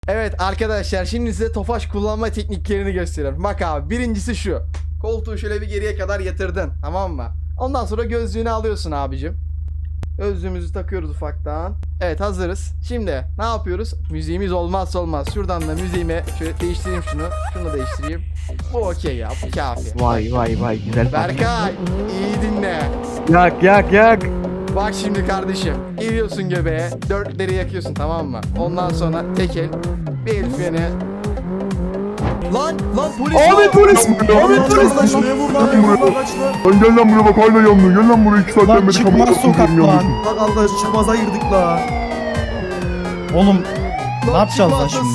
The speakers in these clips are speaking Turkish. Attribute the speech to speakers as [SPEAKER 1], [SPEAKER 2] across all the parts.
[SPEAKER 1] Evet arkadaşlar, şimdi size Tofaş kullanma tekniklerini gösteriyorum. Bak abi, birincisi şu. Koltuğu şöyle bir geriye kadar yatırdın, tamam mı? Ondan sonra gözlüğünü alıyorsun abicim. Gözlüğümüzü takıyoruz ufaktan. Evet, hazırız. Şimdi ne yapıyoruz? Müziğimiz olmazsa olmaz. Şuradan da müziğimi şöyle değiştireyim şunu. Şunu da değiştireyim. Bu okey ya, bu kafi.
[SPEAKER 2] Vay güzel.
[SPEAKER 1] Berkay, iyi dinle.
[SPEAKER 2] Yak.
[SPEAKER 1] Bak şimdi kardeşim, geliyorsun göbeğe, dörtleri yakıyorsun, tamam mı? Ondan sonra tek el, bir el freni. Lan polis var.
[SPEAKER 2] Ahmet polis.
[SPEAKER 3] Şuraya vur lan,
[SPEAKER 4] Lan gel lan buraya bak, hala yanmıyor. Gel lan buraya, 2 saatten
[SPEAKER 3] lan
[SPEAKER 4] beri
[SPEAKER 3] çıkmaz
[SPEAKER 4] kamera
[SPEAKER 3] sokak
[SPEAKER 4] tutuyorum,
[SPEAKER 3] lan.
[SPEAKER 4] yanıyorsun.
[SPEAKER 3] Bak Allah çıkmaza girdik la. Oğlum ne yapacağız lan şimdi?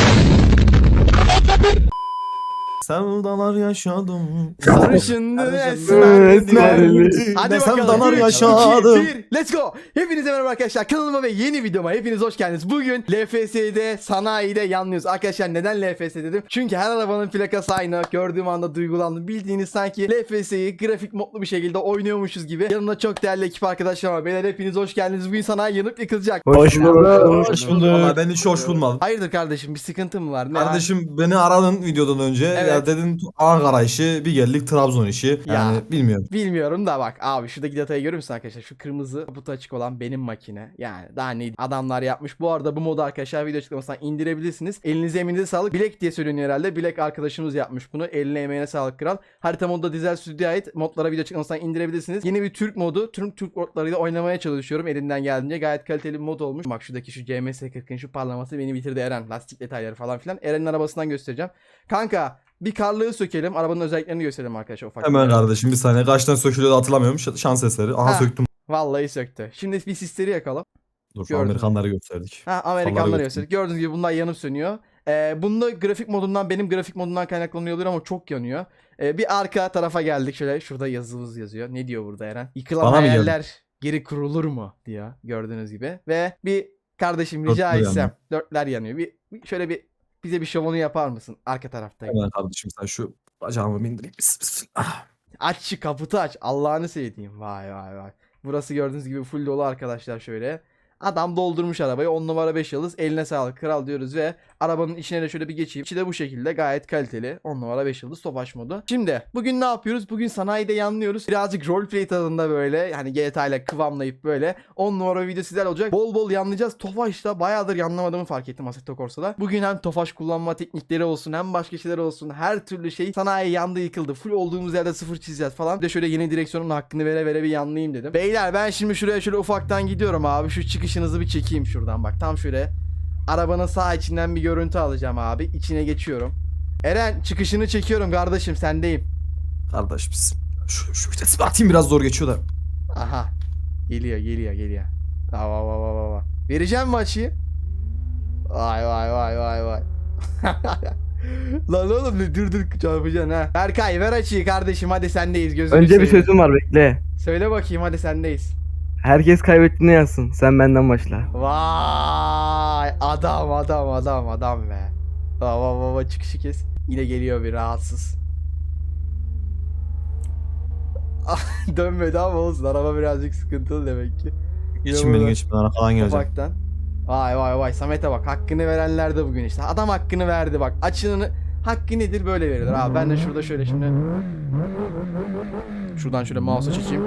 [SPEAKER 3] Sevdalar yaşadım.
[SPEAKER 1] Sarışındı
[SPEAKER 2] Esmerli.
[SPEAKER 1] Hadi
[SPEAKER 3] Ne
[SPEAKER 1] bakalım.
[SPEAKER 3] sevdalar
[SPEAKER 1] 3, 2,
[SPEAKER 3] yaşadım.
[SPEAKER 1] 1, let's go. Hepinize merhaba arkadaşlar. Kanalıma ve yeni videoma hepiniz hoş geldiniz. Bugün LFS'de, sanayide yanlıyoruz. Arkadaşlar neden LFS dedim? Çünkü her arabanın plakası aynı. Gördüğüm anda duygulandım. Bildiğiniz sanki LFS'yi grafik modlu bir şekilde oynuyormuşuz gibi. Yanımda çok değerli ekip arkadaşım var. Beyler hepiniz hoş geldiniz. Bugün sanayi yanıp yıkılacak.
[SPEAKER 2] Hoş bulduk.
[SPEAKER 3] Hoş bulduk. Valla ben hiç hoş bulmadım.
[SPEAKER 1] Hayırdır kardeşim, bir sıkıntı mı var? Ne
[SPEAKER 3] Kardeşim beni aradın videodan önce.
[SPEAKER 1] Evet.
[SPEAKER 3] Ya dedin Ankara işi, bir geldik Trabzon işi. Yani
[SPEAKER 1] Ya.
[SPEAKER 3] bilmiyorum.
[SPEAKER 1] Bilmiyorum da bak abi, şuradaki detayı görüyor musun arkadaşlar? Şu kırmızı kaputu açık olan benim makine. Yani daha ne adamlar yapmış. Bu arada bu modu arkadaşlar video açıklamasından indirebilirsiniz. Elinize emeğinize sağlık. Bilek diye söyleniyor herhalde. Bilek arkadaşımız yapmış bunu. Eline emeğine sağlık kral. Harita modu da Dizel Stüdyo'ya ait. Modlara video açıklamasından indirebilirsiniz. Yeni bir Türk modu. Türk modlarıyla oynamaya çalışıyorum elimden geldiğince. Gayet kaliteli bir mod olmuş. Bak şuradaki şu CMS40'ın şu parlaması beni bitirdi Eren. Lastik detayları falan filan. Eren'in arabasından göstereceğim. Kanka bir karlığı sökelim. Arabanın özelliklerini gösterelim arkadaşlar ufak.
[SPEAKER 3] Hemen kardeşim bir saniye. Kaçtan sökülüyor da hatırlamıyorum. Şans eseri. Aha
[SPEAKER 1] Ha.
[SPEAKER 3] söktüm.
[SPEAKER 1] Vallahi söktü. Şimdi bir sisleri yakalım.
[SPEAKER 3] Dur
[SPEAKER 1] Gördüm.
[SPEAKER 3] Amerikanları gösterdik.
[SPEAKER 1] Ha, Amerikanları gösterdik. Gördüğünüz gibi bunlar yanıp sönüyor. Bunda grafik modundan, benim grafik modundan kaynaklanıyor olabilir ama çok yanıyor. Bir arka tarafa geldik şöyle. Şurada yazımız yazıyor. Ne diyor burada Eren? Yıkılan
[SPEAKER 3] Bana mı
[SPEAKER 1] hayaller geri kurulur mu diyor. Gördüğünüz gibi. Ve bir kardeşim rica
[SPEAKER 3] Dörtler
[SPEAKER 1] etsem.
[SPEAKER 3] yanıyor.
[SPEAKER 1] Dörtler yanıyor. Şöyle bize bir şovunu yapar mısın? Arka tarafta.
[SPEAKER 3] Hemen kardeşim sen şu bacağımı bindireyim. Ah.
[SPEAKER 1] Aç şu kaputu aç. Allah'ını sevdiğim. Vay. Burası gördüğünüz gibi full dolu arkadaşlar şöyle. Adam doldurmuş arabayı, 10 numara 5 yıldız, eline sağlık kral diyoruz ve arabanın içine de şöyle bir geçeyim. İçi de bu şekilde gayet kaliteli, 10 numara 5 yıldız Tofaş modu. Şimdi bugün ne yapıyoruz? Bugün sanayide yanlıyoruz. Birazcık roleplay tadında böyle, yani GTA ile kıvamlayıp böyle 10 numara video sizler olacak. Bol bol yanlayacağız. Tofaş'ta bayağıdır yanlamadığımı fark ettim Assetto Corsa'da. Bugün hem Tofaş kullanma teknikleri olsun, hem başka şeyler olsun, her türlü şey sanayi yandı yıkıldı. Full olduğumuz yerde sıfır çizeceğiz falan. Bir de şöyle yeni direksiyonun hakkını vere bir yanlayayım dedim. Beyler ben şimdi şuraya şöyle ufaktan gidiyorum abi. Şu çıkışınızı bir çekeyim şuradan bak. Tam şöyle arabanın sağ içinden bir görüntü alacağım abi. İçine geçiyorum. Eren çıkışını çekiyorum kardeşim, sendeyim.
[SPEAKER 3] Kardeş biz şu vitesi atayım, biraz zor geçiyor da.
[SPEAKER 1] Aha. Geliyor. Vay. Vereceğim mi açıyı? Vay. Lan oğlum dur çarpacaksın ha. Berkay ver açıyı kardeşim, hadi sendeyiz, gözünü
[SPEAKER 2] Önce bir
[SPEAKER 1] seveyim.
[SPEAKER 2] sözüm var, bekle.
[SPEAKER 1] Söyle bakayım, hadi sendeyiz.
[SPEAKER 2] Herkes kaybettiğini yazsın. Sen benden başla.
[SPEAKER 1] Vay adam be. Baba çıkışı kes. Yine geliyor bir rahatsız. Dönmedi ama olsun, araba birazcık sıkıntılı demek ki.
[SPEAKER 3] Geçin beni, geçin ben arkadan geleceğim.
[SPEAKER 1] Ufaktan. Vay Samet'e bak, hakkını verenler de bugün işte. Adam hakkını verdi bak. Açığını hakkı nedir böyle verilir abi. Ben de şurada şöyle şimdi. Şuradan şöyle mouse'u çekeyim.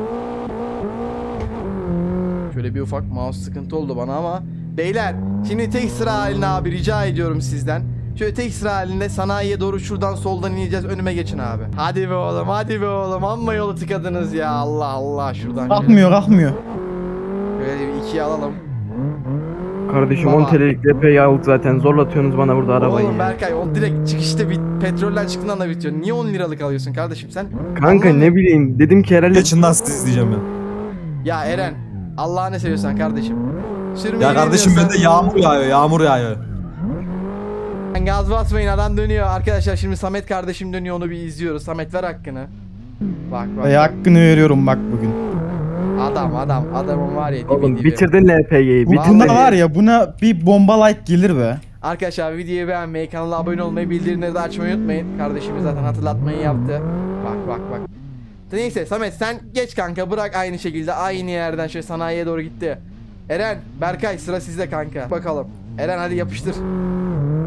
[SPEAKER 1] Şöyle bir ufak mouse sıkıntı oldu bana ama. Beyler şimdi tek sıra halinde abi, rica ediyorum sizden. Şöyle tek sıra halinde sanayiye doğru şuradan soldan ineceğiz, önüme geçin abi. Hadi be oğlum amma yolu tıkadınız ya, Allah şuradan şöyle.
[SPEAKER 3] Kalkmıyor.
[SPEAKER 1] Böyle bir ikiye alalım.
[SPEAKER 2] Kardeşim
[SPEAKER 1] Baba.
[SPEAKER 2] 10 TL'lik LP'yi aldık zaten. Zorlatıyorsunuz bana burada arabayı.
[SPEAKER 1] Oğlum
[SPEAKER 2] ya.
[SPEAKER 1] Berkay, o direkt çıkışta bir petroller çıktığından da bitiyor. Niye 10 liralık alıyorsun kardeşim sen?
[SPEAKER 2] Kanka ne bileyim. Dedim ki herhalde
[SPEAKER 3] Geçin lan, siz izleyeceğim ben.
[SPEAKER 1] Ya Eren, Allah'ını seviyorsan kardeşim. Sürmeyi
[SPEAKER 3] Ya kardeşim
[SPEAKER 1] bilmiyorsan-
[SPEAKER 3] bende yağmur yağıyor.
[SPEAKER 1] Gaz basmayın, adam dönüyor. Arkadaşlar şimdi Samet kardeşim dönüyor, onu bir izliyoruz. Samet ver hakkını. Bak.
[SPEAKER 5] Hakkını veriyorum bak bugün.
[SPEAKER 1] Adamın var ya,
[SPEAKER 2] oğlum
[SPEAKER 1] dibi.
[SPEAKER 2] bitirdin LP'yi.
[SPEAKER 1] Vallahi-
[SPEAKER 2] Bitirdin.
[SPEAKER 5] Bunda var ya, buna bir bomba like gelir be.
[SPEAKER 1] Arkadaşlar videoyu beğenmeyi, kanala abone olmayı, bildirimleri de açmayı unutmayın. Kardeşimiz zaten hatırlatmayı yaptı. Bak. Neyse Samet sen geç kanka, bırak aynı şekilde aynı yerden şöyle sanayiye doğru gitti. Eren, Berkay sıra sizde kanka. Bakalım. Eren hadi yapıştır.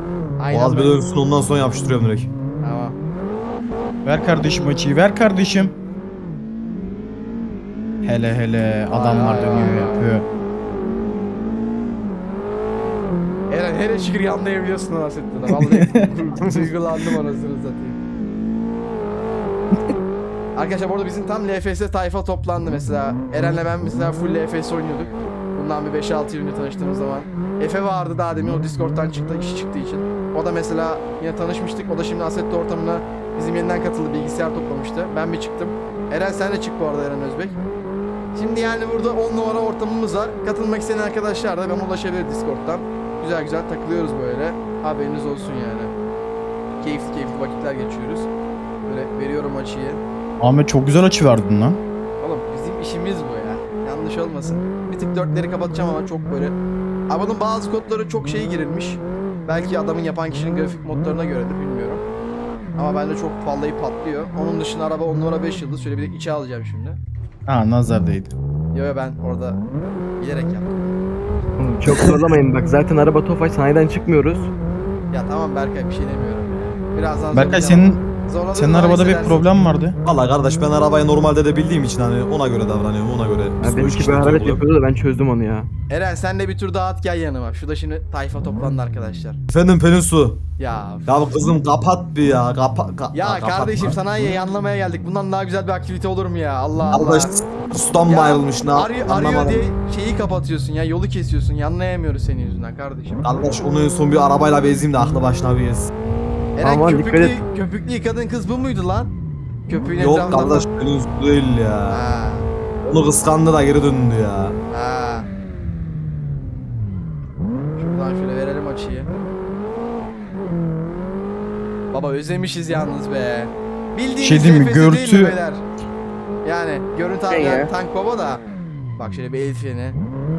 [SPEAKER 1] Aynen
[SPEAKER 3] Boğaz bir
[SPEAKER 1] böyle.
[SPEAKER 3] dönsün ondan sonra yapıştırıyorum direkt.
[SPEAKER 1] Tamam.
[SPEAKER 5] Ver kardeşim açıyı, ver kardeşim. Hele hele adamlar
[SPEAKER 1] Vay,
[SPEAKER 5] dönüyor
[SPEAKER 1] vay,
[SPEAKER 5] yapıyor.
[SPEAKER 1] Eren hele şükür yanlayabiliyorsun o asetten. Vallahi duygulandım anasını satayım. Arkadaşlar bu arada bizim tam LFS tayfa toplandı mesela. Eren'le ben mesela full LFS oynuyorduk. Bundan bir 5-6 yıl önce tanıştığımız zaman. Efe vardı daha demin, o Discord'dan çıktı, işi çıktığı için. O da mesela yine tanışmıştık. O da şimdi Assetto ortamına bizim yeniden katıldı, bilgisayar toplamıştı. Ben bir çıktım. Eren sen de çık bu arada, Eren Özbek. Şimdi yani burada 10 numara ortamımız var. Katılmak isteyen arkadaşlar da bana ulaşabilir Discord'dan. Güzel güzel takılıyoruz böyle. Haberiniz olsun yani. Keyifli keyifli vakitler geçiyoruz. Böyle veriyorum açıyı.
[SPEAKER 5] Ahmet çok güzel açı verdin lan.
[SPEAKER 1] Oğlum bizim işimiz bu ya. Yanlış olmasın. Bir tık dörtleri kapatacağım ama çok böyle. Arabanın bazı kodları çok şey girilmiş. Belki adamın yapan kişinin grafik modlarına göredir, bilmiyorum. Ama bende çok vallahi patlıyor. Onun dışında araba 10 numara 5 yıldız. Şöyle bir de içe alacağım şimdi.
[SPEAKER 5] Ha nazar değdi.
[SPEAKER 1] Yo ben orada bilerek yaptım.
[SPEAKER 2] Oğlum çok zorlamayın bak, zaten araba Tofaş, sanayiden çıkmıyoruz.
[SPEAKER 1] Ya tamam Berkay, bir şey demiyorum ya. Birazdan
[SPEAKER 5] Berkay
[SPEAKER 1] zorlayacağım.
[SPEAKER 5] senin
[SPEAKER 1] Zorladığın
[SPEAKER 5] arabada bir
[SPEAKER 1] hissedersin.
[SPEAKER 5] problem vardı.
[SPEAKER 3] Valla kardeş ben arabayı normalde de bildiğim için hani ona göre davranıyorum, ona göre.
[SPEAKER 2] Ya benimki bir hararet yapıyordu da ben çözdüm onu ya.
[SPEAKER 1] Eren sen de bir tur daha at, gel yanıma. Şurada şimdi tayfa toplandı arkadaşlar.
[SPEAKER 3] Efendim Pelinsu.
[SPEAKER 1] Ya
[SPEAKER 3] Ya kızım kapat bir ya.
[SPEAKER 1] ya
[SPEAKER 3] kapat
[SPEAKER 1] kardeşim,
[SPEAKER 3] lan.
[SPEAKER 1] sanayiye yanlamaya geldik. Bundan daha güzel bir aktivite olur mu ya? Allah Allah.
[SPEAKER 3] Kardeş ustam mı
[SPEAKER 1] Ya,
[SPEAKER 3] ayrılmış ne
[SPEAKER 1] arıyor
[SPEAKER 3] anlamadım.
[SPEAKER 1] diye şeyi kapatıyorsun ya, yolu kesiyorsun. Yanlayamıyoruz senin yüzünden kardeşim.
[SPEAKER 3] Kardeş onu en son bir arabayla bezeyim de aklı başına bir yesin.
[SPEAKER 1] Eren
[SPEAKER 2] Aman dikkat et.
[SPEAKER 1] köpüklü yıkadığın kız bu muydu lan? Köpüğün
[SPEAKER 3] Yok
[SPEAKER 1] etrafında
[SPEAKER 3] kardeş Pelinsu değil ya.
[SPEAKER 1] Ha,
[SPEAKER 3] Onu kıskandı da geri döndü ya.
[SPEAKER 1] ha. Şuradan şöyle verelim açıyı. Baba özlemişiz yalnız be. Bildiğiniz
[SPEAKER 5] Şey değil mi,
[SPEAKER 1] LFS değil mi
[SPEAKER 5] görüntü-
[SPEAKER 1] beyler? Yani görüntü abi,
[SPEAKER 2] Ne ya?
[SPEAKER 1] yani tank baba da. Bak şöyle bir el freni.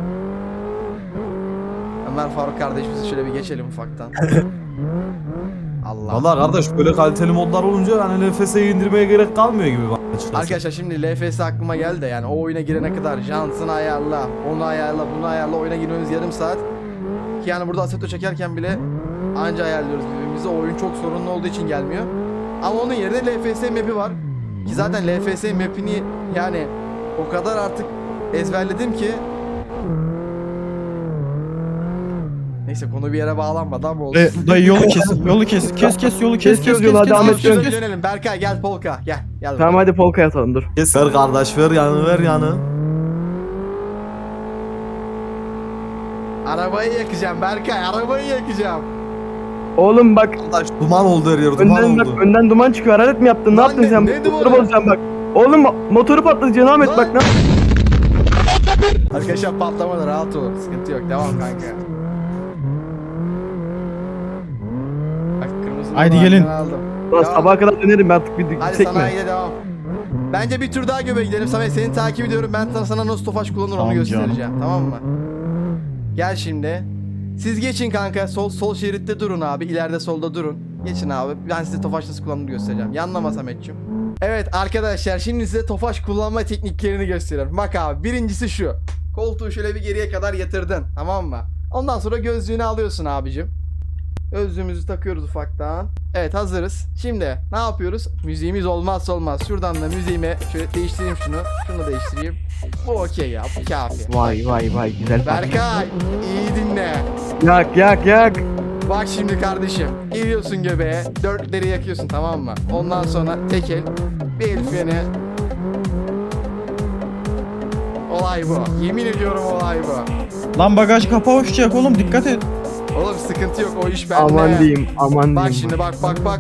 [SPEAKER 1] Ömer Faruk kardeşimizi şöyle bir geçelim ufaktan. Allah.
[SPEAKER 3] Valla kardeş böyle kaliteli modlar olunca hani LFS'yi indirmeye gerek kalmıyor gibi bak açıkçası.
[SPEAKER 1] Arkadaşlar şimdi LFS aklıma geldi de, yani o oyuna girene kadar jantını ayarla, onu ayarla, bunu ayarla, oyuna girmemiz yarım saat. Ki yani burada Assetto çekerken bile anca ayarlıyoruz birbirimizi. O oyun çok sorunlu olduğu için gelmiyor. Ama onun yerine LFS map'i var. Ki zaten LFS map'ini yani o kadar artık ezberledim ki. Neyse, konu bir yere bağlanmadı ama olsun.
[SPEAKER 5] Dayı yolu kes, yolu kes, kes yolu kes,
[SPEAKER 2] Kes
[SPEAKER 5] kes
[SPEAKER 2] yolu, hadi Ahmet,
[SPEAKER 1] Şöyle
[SPEAKER 2] kes.
[SPEAKER 1] dönelim. Berkay gel polka, gel. Gel.
[SPEAKER 2] Tamam hadi polka atalım, dur.
[SPEAKER 3] Kes ver kardeş ver yanı ver yanı.
[SPEAKER 1] Arabayı yakacağım Berkay, arabayı yakacağım.
[SPEAKER 2] Oğlum bak,
[SPEAKER 3] Kardeş duman oldu her yer duman
[SPEAKER 2] önden bak,
[SPEAKER 3] oldu.
[SPEAKER 2] önden duman çıkıyor. Hararet mi yaptın? Ne
[SPEAKER 1] Lan
[SPEAKER 2] yaptın
[SPEAKER 1] ne-
[SPEAKER 2] sen?
[SPEAKER 1] ne
[SPEAKER 2] Motoru
[SPEAKER 1] dumanı?
[SPEAKER 2] bozacaksın bak. Oğlum motoru patlatacaksın Ahmet,
[SPEAKER 1] Lan!
[SPEAKER 2] bak ne?
[SPEAKER 1] Arkadaşlar patlamadı, rahat ol. Sıkıntı yok. Devam kanka. Bak kırmızı
[SPEAKER 5] Haydi
[SPEAKER 1] numara
[SPEAKER 5] gelin.
[SPEAKER 1] arkadan aldım.
[SPEAKER 2] Lan
[SPEAKER 1] Devam.
[SPEAKER 2] sabaha kadar dönerim ben artık, bir
[SPEAKER 1] Hadi
[SPEAKER 2] gitsek mi?
[SPEAKER 1] sanayiye devam. Bence bir tur daha göbeğe gidelim. Samet seni takip ediyorum. Ben sana nasıl tofaş kullanır onu
[SPEAKER 5] Tamam
[SPEAKER 1] göstereceğim.
[SPEAKER 5] canım.
[SPEAKER 1] Tamam mı? Gel şimdi. Siz geçin kanka. Sol şeritte durun abi. İleride solda durun. Geçin abi. Ben size tofaş nasıl kullanılır göstereceğim. Yanlama Samet'ciğim. Evet arkadaşlar, şimdi size tofaş kullanma tekniklerini gösteriyorum. Bak abi, birincisi şu. Koltuğu şöyle bir geriye kadar yatırdın. Tamam mı? Ondan sonra gözlüğünü alıyorsun abicim. Gözlüğümüzü takıyoruz ufaktan. Evet, hazırız. Şimdi ne yapıyoruz? Müziğimiz olmazsa olmaz. Şuradan da müziğimi şöyle değiştireyim şunu. Şunu da değiştireyim. Bu okey ya. Bu kafi.
[SPEAKER 2] Vay vay vay, güzel parça.
[SPEAKER 1] Berkay iyi dinle.
[SPEAKER 2] Yak.
[SPEAKER 1] Bak şimdi kardeşim. Giriyorsun göbeğe. Dörtleri yakıyorsun, tamam mı? Ondan sonra tek el. Bir el freni. Olay bu. Yemin ediyorum olay bu.
[SPEAKER 5] Lan bagaj kapağı uçacak oğlum, dikkat et.
[SPEAKER 1] Oğlum sıkıntı yok, o iş bende.
[SPEAKER 2] Aman diyeyim, aman
[SPEAKER 1] Bak
[SPEAKER 2] diyeyim.
[SPEAKER 1] şimdi bak.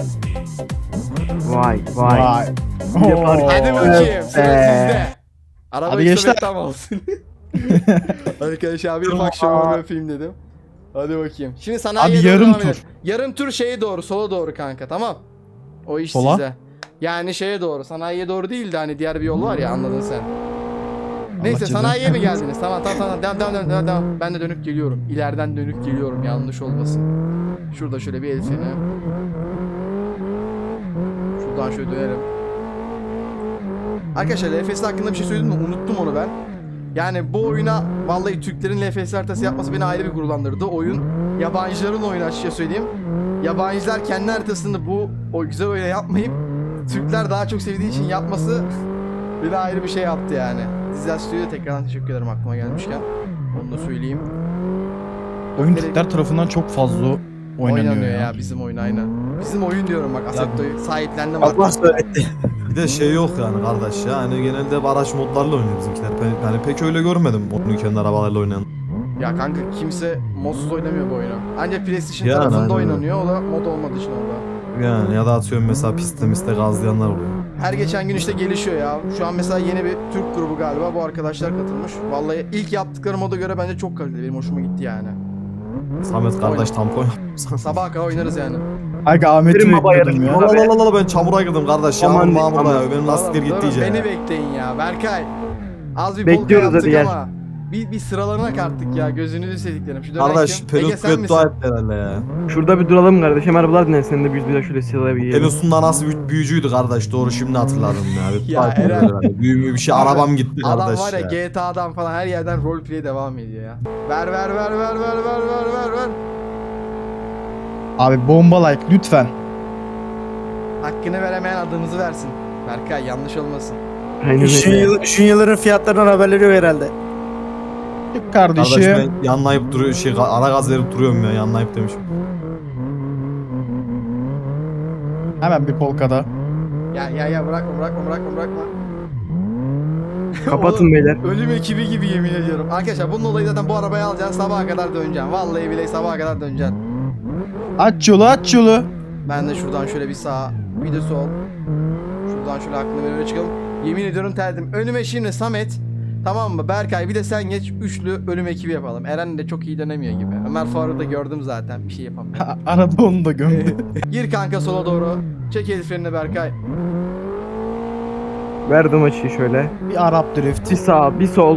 [SPEAKER 2] Vay vay. Yapar.
[SPEAKER 5] Oo.
[SPEAKER 1] Hadi bakayım, sıra sizde. Araba
[SPEAKER 5] Hadi gençler.
[SPEAKER 1] tam olsun. Arkadaşlar bir akşam öpeyim dedim. Hadi bakayım. Şimdi sanayiye
[SPEAKER 5] Abi
[SPEAKER 1] doğru
[SPEAKER 5] yarım
[SPEAKER 1] devam edelim.
[SPEAKER 5] tur.
[SPEAKER 1] Yarım tur şeye doğru, sola doğru kanka, tamam. O iş
[SPEAKER 5] Sola?
[SPEAKER 1] size. Yani şeye doğru, sanayiye doğru değil de hani diğer bir yol var ya, anladın sen. Neyse,
[SPEAKER 5] cezanı
[SPEAKER 1] sanayiye mi
[SPEAKER 5] vermesin.
[SPEAKER 1] geldiniz? Tamam. Devam. Ben de dönüp geliyorum. İleriden dönüp geliyorum, yanlış olmasın. Şurada şöyle bir el freni. Şuradan şöyle dönelim. Arkadaşlar LFS hakkında bir şey söyledim mi? Unuttum onu ben. Yani bu oyuna vallahi Türklerin LFS haritası yapması beni ayrı bir gururlandırdı. Oyun yabancıların oyunu açıkça söyleyeyim. Yabancılar kendi haritasını o güzel oyuna yapmayıp Türkler daha çok sevdiği için yapması beni ayrı bir şey yaptı yani. Dizel Studio'ya tekrardan teşekkür ederim aklıma gelmişken. Onu da söyleyeyim.
[SPEAKER 5] Oyun Türkler tarafından çok fazla oynanıyor ya.
[SPEAKER 1] Bizim oyun aynen. Bizim oyun diyorum bak Assetto'yu sahiplendim
[SPEAKER 3] Allah
[SPEAKER 1] artık.
[SPEAKER 3] söyletti.
[SPEAKER 6] Bir de şey yok yani kardeş ya. Hani genelde hep araç modlarla oynuyor bizimkiler. Ben hani pek öyle görmedim onun kendi arabalarla oynayan.
[SPEAKER 1] Ya kanka kimse modsuz oynamıyor bu oyunu. Ancak PlayStation
[SPEAKER 6] Yani
[SPEAKER 1] tarafında
[SPEAKER 6] aynen
[SPEAKER 1] oynanıyor. O da mod olmadığı için orada.
[SPEAKER 6] Yani ya da atıyorum mesela pistte gazlayanlar oluyor.
[SPEAKER 1] Her geçen gün işte gelişiyor ya. Şu an mesela yeni bir Türk grubu galiba bu arkadaşlar katılmış. Vallahi ilk yaptıkları moda göre bence çok kaliteli. Benim hoşuma gitti yani.
[SPEAKER 6] Samet kardeş tampon
[SPEAKER 1] Sabaha kadar oynarız yani.
[SPEAKER 5] Aga Ahmet'i
[SPEAKER 2] Benim baba
[SPEAKER 5] bekliyordum ya.
[SPEAKER 2] yarın-
[SPEAKER 6] Allah ben çamura girdim kardeş.
[SPEAKER 2] Aman,
[SPEAKER 6] Yağmur mağmur
[SPEAKER 2] aman.
[SPEAKER 6] ya. Benim lastikler
[SPEAKER 1] Durun,
[SPEAKER 6] gitti
[SPEAKER 1] durun,
[SPEAKER 6] iyice
[SPEAKER 1] beni
[SPEAKER 6] ya.
[SPEAKER 1] bekleyin ya. Berkay. Az bir
[SPEAKER 2] Bekliyoruz,
[SPEAKER 1] polka
[SPEAKER 2] hadi
[SPEAKER 1] yaptık
[SPEAKER 2] gel.
[SPEAKER 1] ama. Bir sıralarına kattık ya. Gözünüzü sevdiklerim. Şu dönem
[SPEAKER 6] Kardeş
[SPEAKER 1] kim?
[SPEAKER 6] Pelus
[SPEAKER 1] Ege sen
[SPEAKER 6] beddua
[SPEAKER 1] misin?
[SPEAKER 6] etti herhalde ya.
[SPEAKER 2] Şurada bir duralım kardeşim. Arabalar dinlen. Senin de bir şöyle silahla bir yiyelim.
[SPEAKER 6] Pelus'un anası büyücüydü kardeş. Doğru şimdi hatırladım ya.
[SPEAKER 1] Ya,
[SPEAKER 6] Beddua etti
[SPEAKER 1] Eren.
[SPEAKER 6] herhalde. Büyümü bir şey. Arabam gitti
[SPEAKER 1] Adam
[SPEAKER 6] kardeş
[SPEAKER 1] var ya
[SPEAKER 6] ya.
[SPEAKER 1] GTA'dan falan her yerden roleplay devam ediyor ya. Ver.
[SPEAKER 5] Abi bomba like lütfen.
[SPEAKER 1] Hakkını veremeyen adımızı versin. Berkay yanlış olmasın.
[SPEAKER 2] Aynen öyle.
[SPEAKER 3] Şunyaların fiyatlarından haberleri yok herhalde.
[SPEAKER 5] Çık
[SPEAKER 6] Kardeş
[SPEAKER 5] kardeşim.
[SPEAKER 6] ben yanlayıp duruyor ara gaz verip duruyorum ya. Yanlayıp demişim.
[SPEAKER 5] Hemen bir polkada.
[SPEAKER 1] Ya bırakma.
[SPEAKER 2] Kapatın
[SPEAKER 1] Oğlum,
[SPEAKER 2] beyler.
[SPEAKER 1] ölüm ekibi gibi yemin ediyorum. Arkadaşlar bunun olayı zaten bu arabayı alacaksın sabaha kadar döneceksin. Vallahi bile sabaha kadar döneceksin.
[SPEAKER 5] Aç yolu.
[SPEAKER 1] Ben de şuradan şöyle bir sağ bir de sol. Şuradan şöyle aklına böyle çıkalım. Yemin ediyorum terdim. Önüme şimdi Samet. Tamam mı? Berkay bir de sen geç. Üçlü ölüm ekibi yapalım. Eren de çok iyi dönemiyor gibi. Ömer Faruk'u da gördüm zaten. Bir şey yapamıyor.
[SPEAKER 5] Arada onu da gömdü.
[SPEAKER 1] Gir kanka sola doğru. Çek el frenini Berkay.
[SPEAKER 2] Verdim açıyı şöyle.
[SPEAKER 5] Bir Arap drift.
[SPEAKER 2] Bir sağ, bir sol.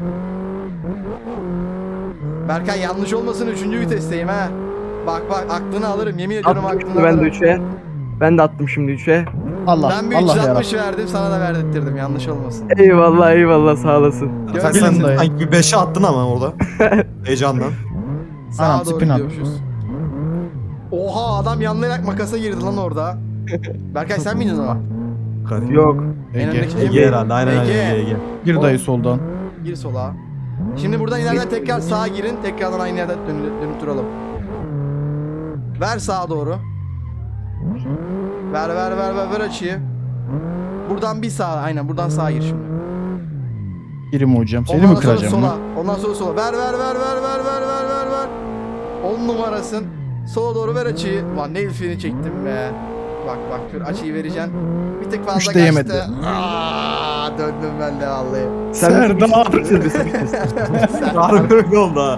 [SPEAKER 1] Berkay yanlış olmasın 3. vitesteyim ha. Bak aklını alırım yemin ediyorum
[SPEAKER 2] Attım
[SPEAKER 1] aklını
[SPEAKER 2] şimdi ben de
[SPEAKER 1] alırım.
[SPEAKER 2] 3'e. Ben de attım şimdi 3'e.
[SPEAKER 5] Allah
[SPEAKER 1] Ben bir
[SPEAKER 5] Allah yarabbim.
[SPEAKER 1] 360 verdim sana da verdirttirdim yanlış olmasın.
[SPEAKER 2] Eyvallah sağ olasın.
[SPEAKER 6] Sen
[SPEAKER 1] Gördün
[SPEAKER 5] Gelin
[SPEAKER 1] mü?
[SPEAKER 5] dayı.
[SPEAKER 6] sanki bir 5'e attın ama orada. Heyecandan.
[SPEAKER 1] Sağa
[SPEAKER 5] Anam,
[SPEAKER 1] doğru
[SPEAKER 5] spin at.
[SPEAKER 1] gidiyormuşuz. Oha adam yanlayarak makasa girdi lan orada. Berkay sen miydin o?
[SPEAKER 6] Garip.
[SPEAKER 2] Yok.
[SPEAKER 1] En
[SPEAKER 5] Ege.
[SPEAKER 1] öndeki
[SPEAKER 6] Ege herhalde aynen
[SPEAKER 1] Ege.
[SPEAKER 6] Ege.
[SPEAKER 5] Bir dayı soldan.
[SPEAKER 1] Gir sola. Şimdi buradan ileriden tekrar sağa girin. Tekrardan aynı yerden dönüp duralım. Ver sağa doğru. Ver açıyı. Buradan bir sağa aynen buradan sağa gir şimdi.
[SPEAKER 5] Girim hocam. Seni mi
[SPEAKER 1] Ondan sonra
[SPEAKER 5] kıracağım
[SPEAKER 1] sola.
[SPEAKER 5] lan?
[SPEAKER 1] Ondan sonra sola. Ver. 10 numarasın. Sola doğru ver açıyı. Ulan ne ilfini çektim be. Bak şöyle açıyı vereceksin. Bir tık fazla
[SPEAKER 5] Üçte yemedi.
[SPEAKER 1] kaçtı. Döndüm ben de vallahi.
[SPEAKER 5] Serdar.
[SPEAKER 6] Harbi öyle oldu ha.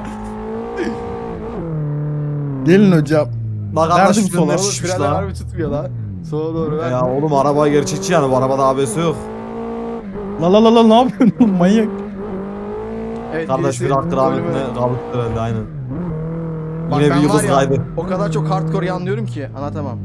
[SPEAKER 5] Gelin hocam.
[SPEAKER 6] Bak
[SPEAKER 5] Verdim
[SPEAKER 6] arkadaş
[SPEAKER 5] sola.
[SPEAKER 6] frenler
[SPEAKER 1] Oğlum
[SPEAKER 6] şişmiş
[SPEAKER 1] frenler
[SPEAKER 6] lan.
[SPEAKER 1] harbi tutmuyor lan. Sola doğru ver.
[SPEAKER 6] Ya oğlum araba gerçekçi yani bu arabada ABS yok.
[SPEAKER 5] La ne yapıyorsun oğlum manyak?
[SPEAKER 1] Evet,
[SPEAKER 6] Kardeş
[SPEAKER 1] birisi
[SPEAKER 6] bir aktır
[SPEAKER 1] bölümü-
[SPEAKER 6] Ahmet'ine kalıp herhalde aynen.
[SPEAKER 1] Bak
[SPEAKER 6] Yine
[SPEAKER 1] ben
[SPEAKER 6] bir yıldız
[SPEAKER 1] var ya,
[SPEAKER 6] kaydı.
[SPEAKER 1] O kadar çok hardcore yanlıyorum ki anlatamam.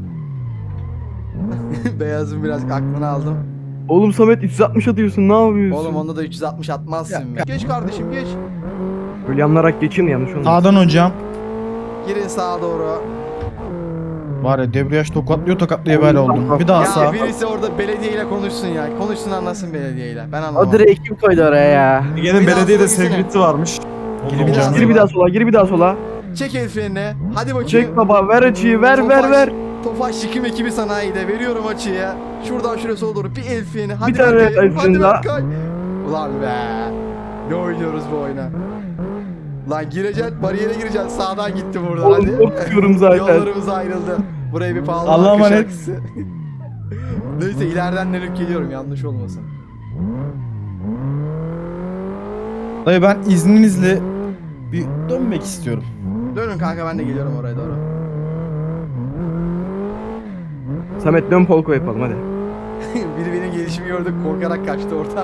[SPEAKER 1] Beyazın biraz aklını aldım.
[SPEAKER 2] Oğlum Samet 360 atıyorsun ne yapıyorsun?
[SPEAKER 1] Oğlum onda da 360 atmazsın
[SPEAKER 5] Ya,
[SPEAKER 1] be. Geç kardeşim geç.
[SPEAKER 2] Böyle yanlarak geçin yanlış olmasın.
[SPEAKER 5] Sağdan hocam.
[SPEAKER 1] Girin sağa doğru.
[SPEAKER 5] Var ya debriyaj tokatlaya böyle oldum. Bir daha
[SPEAKER 1] Ya
[SPEAKER 5] sağ.
[SPEAKER 1] birisi orada belediyeyle konuşsun ya. Konuşsun anlasın belediyeyle. Ben
[SPEAKER 2] O
[SPEAKER 1] anlamam.
[SPEAKER 2] direği kim koydu oraya ya?
[SPEAKER 6] Ege'nin
[SPEAKER 1] Bir daha
[SPEAKER 6] belediyede
[SPEAKER 1] sola gitsene.
[SPEAKER 6] sevgilisi varmış.
[SPEAKER 5] Gir
[SPEAKER 6] Ondan
[SPEAKER 5] bir daha
[SPEAKER 6] sonra-
[SPEAKER 2] Gir bir daha sola, gir bir daha sola.
[SPEAKER 1] Çek el frenini. Hadi bakayım.
[SPEAKER 2] Çek baba, ver açıyı, ver.
[SPEAKER 1] Tofaş yıkım ekibi sanayide. Veriyorum açıya. Şuradan şuraya sola doğru bir el freni. Hadi
[SPEAKER 2] Bir tane
[SPEAKER 1] Berkay,
[SPEAKER 2] el
[SPEAKER 1] hadi
[SPEAKER 2] freni daha.
[SPEAKER 1] Berkay. Ulan be. Ne oynuyoruz bu oyuna? Lan gireceksin, bariyere gireceksin. Sağdan gitti buradan
[SPEAKER 2] Oğlum
[SPEAKER 1] hadi.
[SPEAKER 2] korkuyorum zaten.
[SPEAKER 1] Yollarımız ayrıldı. Buraya bir pahalı
[SPEAKER 5] Allah'a
[SPEAKER 1] marka
[SPEAKER 5] emanet.
[SPEAKER 1] şarkısı. Neyse ileriden dönüp geliyorum yanlış olmasın.
[SPEAKER 5] Dayı ben izninizle bir dönmek istiyorum.
[SPEAKER 1] Dönün kanka ben de geliyorum oraya doğru.
[SPEAKER 2] Samet dön polko yapalım hadi.
[SPEAKER 1] Biri benim gelişimi gördü korkarak kaçtı orada.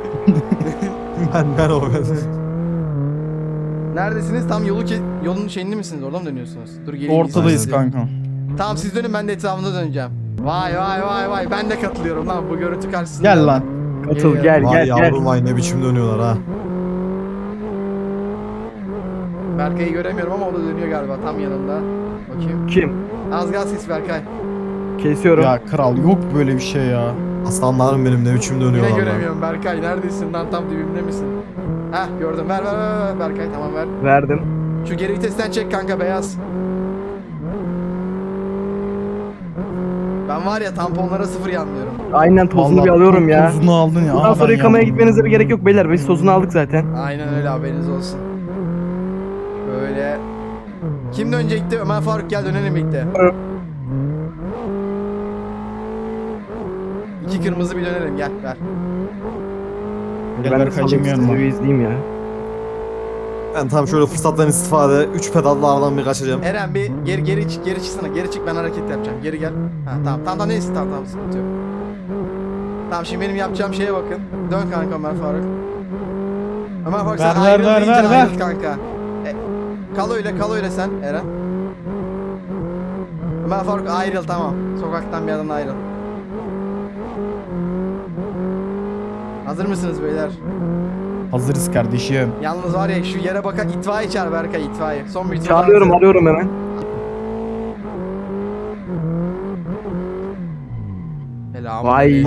[SPEAKER 6] Ben o ben.
[SPEAKER 1] Neredesiniz? Tam yolun şeyinde misiniz? Oradan mı dönüyorsunuz? Dur geleyim.
[SPEAKER 5] Ortadayız
[SPEAKER 1] size.
[SPEAKER 5] kanka.
[SPEAKER 1] Tamam siz dönün ben de etrafında döneceğim. Vay ben de katılıyorum lan bu görüntü karşısında.
[SPEAKER 5] Gel lan.
[SPEAKER 2] Katıl
[SPEAKER 1] Geliyor.
[SPEAKER 2] gel
[SPEAKER 6] Vay
[SPEAKER 2] gel gel.
[SPEAKER 6] yavrum vay ne biçim dönüyorlar ha.
[SPEAKER 1] Berkay'ı göremiyorum ama o da dönüyor galiba tam yanında. Bakayım.
[SPEAKER 2] Kim?
[SPEAKER 1] Az gaz kes Berkay.
[SPEAKER 2] Kesiyorum.
[SPEAKER 5] Ya kral yok böyle bir şey ya.
[SPEAKER 6] Aslanlarım benim ne biçim dönüyorlar
[SPEAKER 1] Yine
[SPEAKER 6] lan.
[SPEAKER 1] göremiyorum Berkay. Neredesin lan, tam dibimde misin? Heh gördüm. Ver Berkay, tamam ver.
[SPEAKER 2] Verdim.
[SPEAKER 1] Şu geri vitesten çek kanka, beyaz. Ben var ya tamponlara 0 yanmıyorum.
[SPEAKER 2] Aynen tozunu
[SPEAKER 5] Vallahi
[SPEAKER 2] bir alıyorum ya.
[SPEAKER 5] Tozunu aldın ya.
[SPEAKER 2] Bundan
[SPEAKER 5] Aha,
[SPEAKER 2] sonra
[SPEAKER 5] ben
[SPEAKER 2] yıkamaya
[SPEAKER 5] yandım.
[SPEAKER 2] gitmenize bir gerek yok beyler. Biz tozunu aldık zaten.
[SPEAKER 1] Aynen öyle, haberiniz olsun. Böyle. Kim dönecekti? Ömer Faruk gel dönelim birlikte. İki kırmızı bir dönelim, gel ver.
[SPEAKER 5] Gel
[SPEAKER 2] Ben de
[SPEAKER 5] Berkay'cığım
[SPEAKER 2] salayım,
[SPEAKER 5] yanıma.
[SPEAKER 2] sizi bir izleyeyim ya.
[SPEAKER 6] Ben tam şöyle fırsattan istifade 3 pedalla aradan bir kaçacağım.
[SPEAKER 1] Eren bir geri çıksana, geri çık, ben hareket yapacağım, geri gel. Ha tamam neyse, tamam sıkıntı yok. Tamam şimdi benim yapacağım şeye bakın. Dön kanka Ömer Faruk. Ömer Faruk sen
[SPEAKER 5] Ver,
[SPEAKER 1] ayrıl
[SPEAKER 5] ver,
[SPEAKER 1] deyince
[SPEAKER 5] ver, ver.
[SPEAKER 1] ayrıl kanka. Kal öyle sen Eren. Ömer Faruk ayrıl, tamam. Sokaktan bir yerden ayrıl. Hazır mısınız beyler?
[SPEAKER 5] Hazırız kardeşim.
[SPEAKER 1] Yalnız var ya şu yere bakan itfaiye çağır Berkay, itfaiye. Son bir tur
[SPEAKER 2] Çağırıyorum,
[SPEAKER 1] daha.
[SPEAKER 2] arıyorum hemen. Vay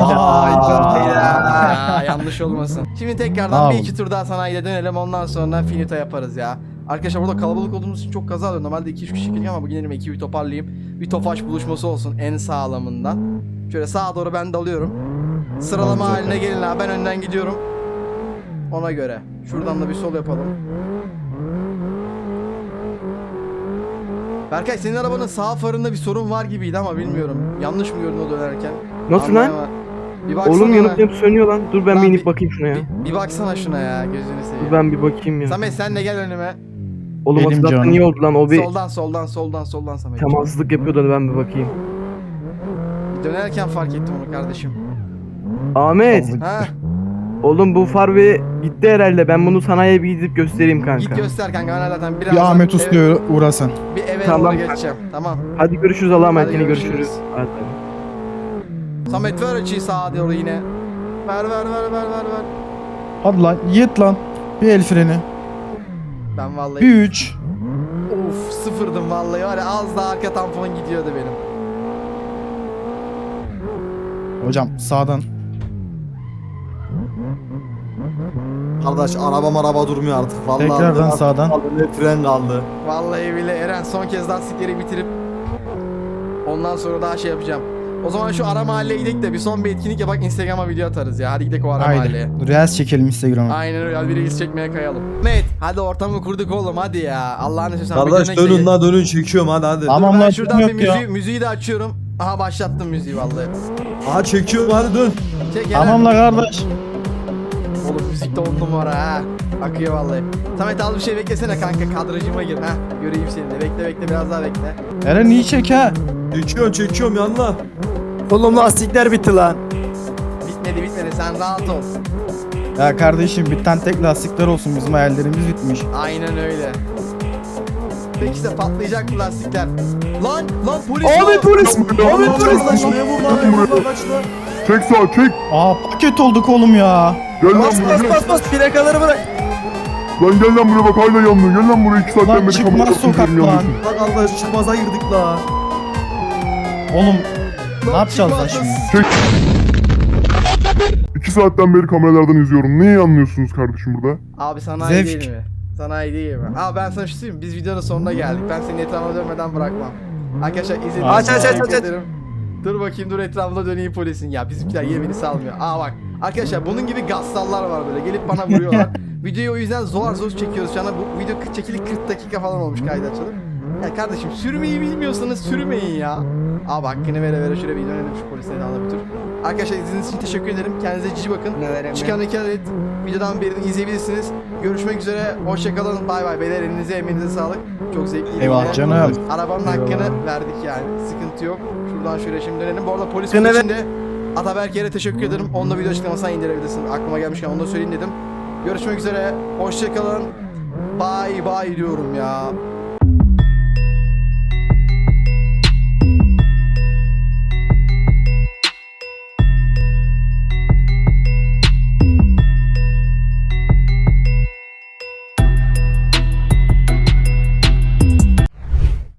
[SPEAKER 1] Ya, yanlış olmasın. Şimdi tekrardan bir
[SPEAKER 5] Tamam.
[SPEAKER 1] iki tur daha sanayiye dönelim, ondan sonra finito yaparız ya. Arkadaşlar burada kalabalık olduğumuz için çok kaza oluyor. Normalde 2-3 kişi geliyor ama bugün elime ekibi toparlayayım. Bir tofaş buluşması olsun en sağlamından. Şöyle sağa doğru ben dalıyorum. Sıralama
[SPEAKER 5] Tamam,
[SPEAKER 1] haline gelin abi, ben önden gidiyorum. Ona göre. Şuradan da bir sol yapalım. Berkay senin arabanın sağ farında bir sorun var gibiydi ama bilmiyorum. Yanlış mı gördün o dönerken?
[SPEAKER 2] Nasıl lan?
[SPEAKER 1] Anlayamadım. Bir baksana
[SPEAKER 2] Oğlum
[SPEAKER 1] ona.
[SPEAKER 2] yanıp sönüyor lan. Dur ben
[SPEAKER 1] Lan
[SPEAKER 2] bir inip
[SPEAKER 1] bir-
[SPEAKER 2] bakayım şuna ya.
[SPEAKER 1] Bir baksana şuna ya, gözünü seveyim.
[SPEAKER 2] Dur ben bir bakayım ya.
[SPEAKER 1] Samet sen de gel önüme.
[SPEAKER 2] Oğlum
[SPEAKER 5] Benim
[SPEAKER 2] hatırlattın
[SPEAKER 5] canım.
[SPEAKER 2] niye oldu lan? O bir
[SPEAKER 1] Soldan Samet.
[SPEAKER 2] temassızlık yapıyordu, ben bir bakayım.
[SPEAKER 1] Dönerken fark ettim onu kardeşim.
[SPEAKER 2] Ahmet.
[SPEAKER 1] Ha,
[SPEAKER 2] Oğlum bu far bir gitti herhalde. Ben bunu sanayiye bir gidip göstereyim kanka.
[SPEAKER 1] git göster kanka, ben zaten birazdan
[SPEAKER 5] Bir Ahmet Usta'ya uğrasan.
[SPEAKER 1] bir eve
[SPEAKER 2] Tamam.
[SPEAKER 1] doğru geçeceğim. Tamam.
[SPEAKER 2] Hadi görüşürüz Allah'a emanet.
[SPEAKER 1] Hadi
[SPEAKER 2] Yine
[SPEAKER 1] görüşürüz.
[SPEAKER 2] görüşürüz. Hadi.
[SPEAKER 1] Samet ver açıyı sağa doğru yine. Ver.
[SPEAKER 5] Hadi lan yet lan. Bir el freni.
[SPEAKER 1] Ben vallahi
[SPEAKER 5] Bir 3.
[SPEAKER 1] of sıfırdım vallahi, var ya az daha arka tampon gidiyordu benim.
[SPEAKER 5] Hocam sağdan.
[SPEAKER 6] Kardeş araba durmuyor artık. Vallahi
[SPEAKER 5] Tekrardan
[SPEAKER 6] ne
[SPEAKER 5] sağdan.
[SPEAKER 6] kaldı, ne fren kaldı.
[SPEAKER 1] Vallahi bile Eren son kez lastikleri bitirip ondan sonra daha şey yapacağım. O zaman şu ara mahalleye gidelim de bir son bir etkinlik yapak, Instagram'a video atarız ya. Hadi gidelim o ara mahalleye.
[SPEAKER 5] Haydi. Reels çekelim Instagram'a.
[SPEAKER 1] Aynen öyle, hadi bir reis çekmeye kayalım. Mehmet hadi ortamı kurduk oğlum, hadi ya. Allah'ını seversen.
[SPEAKER 6] Kardeş dönün la dönün, çekiyorum hadi.
[SPEAKER 5] Tamam
[SPEAKER 1] Ben
[SPEAKER 5] lan,
[SPEAKER 1] şuradan bir
[SPEAKER 5] yok ya.
[SPEAKER 1] müziği de açıyorum. Aha başlattım müziği vallahi.
[SPEAKER 6] Aha çekiyorum hadi dön.
[SPEAKER 1] Çek Eren.
[SPEAKER 5] Tamam la kardeş.
[SPEAKER 1] Oğlum müzik de 10 numara ha. Akıyor vallahi. Samet al bir şey beklesene kanka, kadrajıma gir ha. Göreyim seni de. Bekle biraz daha bekle.
[SPEAKER 5] Eren iyi çek ha.
[SPEAKER 6] Çekiyorum yanına.
[SPEAKER 2] Oğlum lastikler bitti lan.
[SPEAKER 1] Bitmedi sen rahat ol.
[SPEAKER 5] Ya kardeşim bir tane tek lastikler olsun, bizim hayallerimiz bitmiş.
[SPEAKER 1] Aynen öyle. Peki işte patlayacak bu lastikler. Lan polis.
[SPEAKER 2] Abi polis.
[SPEAKER 4] Abi
[SPEAKER 6] Kaç lan kaç lan.
[SPEAKER 4] Çek sağa çek.
[SPEAKER 5] Aa paket olduk oğlum ya.
[SPEAKER 4] Gel lan buraya gel.
[SPEAKER 2] bas plakaları bırak.
[SPEAKER 4] Lan gel lan buraya bak hala yanıyor. Gel lan buraya 2 saatten
[SPEAKER 5] Lan
[SPEAKER 4] beri
[SPEAKER 5] çıkmaz
[SPEAKER 4] kamera
[SPEAKER 5] sokak
[SPEAKER 4] tutuyorum
[SPEAKER 5] lan.
[SPEAKER 4] yanıyorsun.
[SPEAKER 6] Lan kardeş çıkmaza girdik la.
[SPEAKER 5] Oğlum ne yapacağız lan
[SPEAKER 1] çıkmaz.
[SPEAKER 5] şimdi?
[SPEAKER 4] 2 saatten beri kameralardan izliyorum. Neyi anlıyorsunuz kardeşim burada?
[SPEAKER 1] Abi sanayi
[SPEAKER 5] Zevk.
[SPEAKER 1] değil mi? Sanayi değil mi? Abi ben sana bir şey söyleyeyim mi? Biz videonun sonuna geldik. Ben seni etrafına dönmeden bırakmam. Arkadaşlar izlediğiniz
[SPEAKER 5] Aç,
[SPEAKER 1] için
[SPEAKER 5] aç,
[SPEAKER 1] teşekkür
[SPEAKER 2] aç, aç.
[SPEAKER 1] ederim. Dur bakayım, dur etrafına döneyim polisin. Ya bizimkiler yemini salmıyor. Aa bak. Arkadaşlar bunun gibi gassallar var böyle. Gelip bana vuruyorlar. Videoyu o yüzden zor çekiyoruz şu anda. Bu video çekili 40 dakika falan olmuş kaydı açılıp. Ya kardeşim sürmeyi bilmiyorsanız sürmeyin ya. Abi hakkını vere şöyle bir dönelim şu polisleri de bir tur. Arkadaşlar izlediğiniz için teşekkür ederim. Kendinize cici bakın. Çıkan 2 adet videodan birini izleyebilirsiniz. Görüşmek üzere. Hoşçakalın. Bay bay. Beyler elinize emeğinize sağlık. Çok zevkliydi.
[SPEAKER 5] Eyvallah
[SPEAKER 1] yine.
[SPEAKER 5] canım.
[SPEAKER 1] Arabanın
[SPEAKER 2] Eyvallah.
[SPEAKER 1] hakkını verdik yani. Sıkıntı yok. Şuradan şöyle şimdi dönelim. Bu arada polis
[SPEAKER 2] Gene
[SPEAKER 1] için de Ataberk'e teşekkür ederim. Onu da video açıklamasına indirebilirsin. Aklıma gelmişken onu da söyleyeyim dedim. Görüşmek üzere. Hoşçakalın. Bye bye diyorum ya.